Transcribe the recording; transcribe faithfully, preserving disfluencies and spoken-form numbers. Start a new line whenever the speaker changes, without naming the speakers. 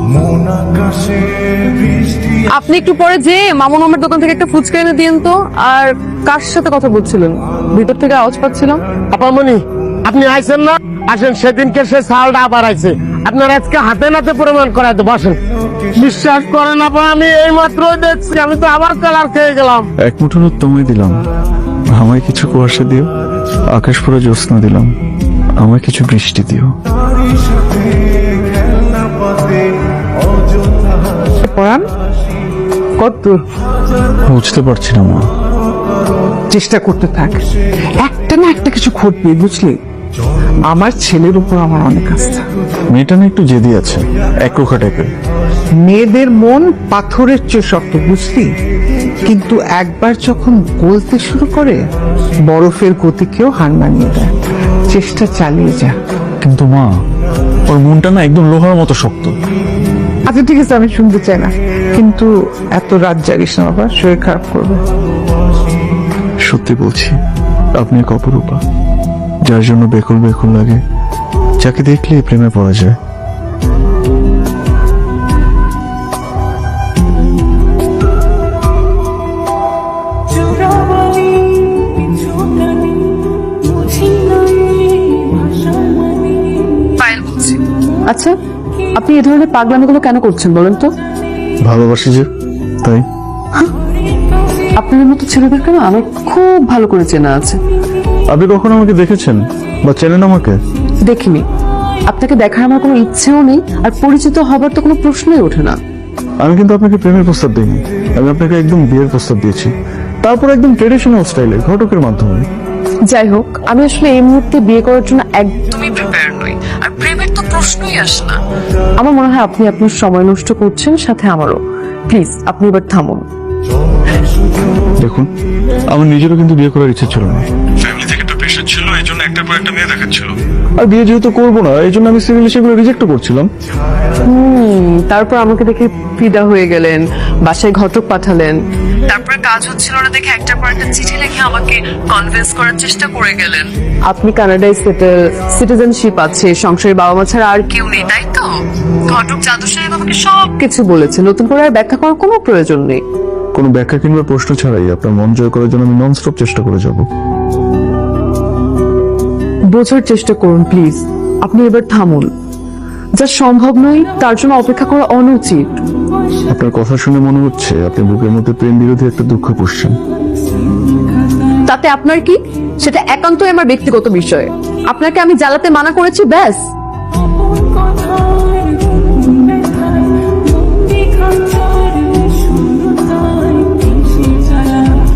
আপনি একটু পরে যে মামুন মামার দোকান থেকে একটা ফুচকা এনে দিন তো। আর কার সাথে কথা বলছিলেন? ভিতর থেকে আওয়াজ পাচ্ছিলাম।
আপামনি আপনি আইছেন না? আসেন, সেদিনকে সে সালটা আবার আইছে। আপনার আজকে হাতে নাতে প্রমাণ করাতে বসেন। বিশ্বাস করেন আপা, আমি এই মাত্রই দেখছি, আমি তো আবার কালার খেয়ে গেলাম।
এক মুঠো রোদ তোমায় দিলাম, আমায় কিছু কুয়াশা দিও। আকাশ পুরো জ্যোৎস্না দিলাম, আমায় কিছু বৃষ্টি দিও।
পড়ান কত
বুঝতে পারছি না মা।
চেষ্টা করতে থাক, একটা না একটা কিছু ঘটবে, বুঝলি? আমার ছেলের উপর আমার অনেক আস্থা।
মেয়েটা না একটু জেদি আছে, একরোখা টাইপের।
মেয়েদের মন পাথরের চেয়ে শক্ত, বুঝলি? কিন্তু একবার যখন গলতে শুরু করে, বরফের গতিকেও হার মানিয়ে দেয়। চেষ্টা চালিয়ে যা।
কিন্তু মা, ওর মনটা না একদম লোহার মতো শক্ত।
আচ্ছা ঠিক আছে, আমি শুনতে চাই না, কিন্তু এত রাত জাগিস না বাবা, শরীর খারাপ করবে।
সত্যি বলছি, আপনি এক অপরূপা, যার জন্য বেকুল বেকুল লাগে, যাকে দেখলে প্রেমে পড়া যায়।
পায়েল বলছি। আচ্ছা, আপনি এই ধরনের পাগলামিগুলো কেন করছেন বলেন তো?
ভালোবাসি যে, তাই।
আপনাদের মতো ছেলেদেরকে না আমার খুব ভালো করে চেনা আছে।
আপনি কখনো আমাকে দেখেছেন বা চেনেন আমাকে?
দেখিনি। আপনাকে দেখার আমার কোনো ইচ্ছেও নেই, আর পরিচিত হবার তো কোনো প্রশ্নই ওঠে না।
আমি কিন্তু আপনাকে প্রেমের প্রস্তাব দিইনি, আমি আপনাকে একদম বিয়ের প্রস্তাব দিয়েছি, তারপর একদম ট্রেডিশনাল স্টাইলে, ঘটকের মাধ্যমে।
যাই হোক, আমি আসলে এই মুহূর্তে বিয়ে করার জন্য একদমই প্রিপেয়ার নই, আর প্রেমের তো প্রশ্নই আসে না। আমার মনে হয় আপনি আপনার সময় নষ্ট করছেন, সাথে আমারও। প্লিজ আপনি এবার থামুন।
দেখুন, আমার নিজেরও কিন্তু বিয়ে করার ইচ্ছা ছিল না, ফ্যামিলি থেকে একটা প্রেশার ছিল, এই জন্য একটার পর একটা মেয়ে দেখাচ্ছিল। আর বিয়ে যেহেতু করবো না, এই জন্য আমি সিরিয়ালি সেগুলো রিজেক্ট করছিলাম।
হুম তারপর আমাকে দেখে ফিদা হয়ে গেলেন, বাসায় ঘটক পাঠালেন। তারপরে কাজ হচ্ছিল না দেখে একটার পর একটা চিঠি লিখে আমাকে কনভিন্স করার চেষ্টা করে গেলেন। আপনি কানাডায় সেটেল, সিটিজেনশিপ আছে, সংসারে বাবা মা ছাড়া আর কেউ নেই, তাই তো? ঘটক জাদু সাহেব আমাকে সবকিছু বলেছে, নতুন করে আর ব্যাখ্যা করার কোনো প্রয়োজন নেই।
কোনো ব্যাখ্যা কিংবা প্রশ্ন ছাড়াই আপনার মন জয় করার জন্য আমি নন স্টপ চেষ্টা করে যাব।
বোঝার চেষ্টা করুন প্লিজ। আপনি এবার থামুন। যা সম্ভব নয় তার জন্য অপেক্ষা করা অনুচিত।
আপনার কথা শুনে মনে হচ্ছে আপনি বুকের মধ্যে প্রেম বিরোধী একটা দুঃখ পুষছেন।
তাতে আপনার কি? সেটা একান্তই আমার ব্যক্তিগত বিষয়। আপনাকে আমি জ্বালাতে মানা করেছি, ব্যাস।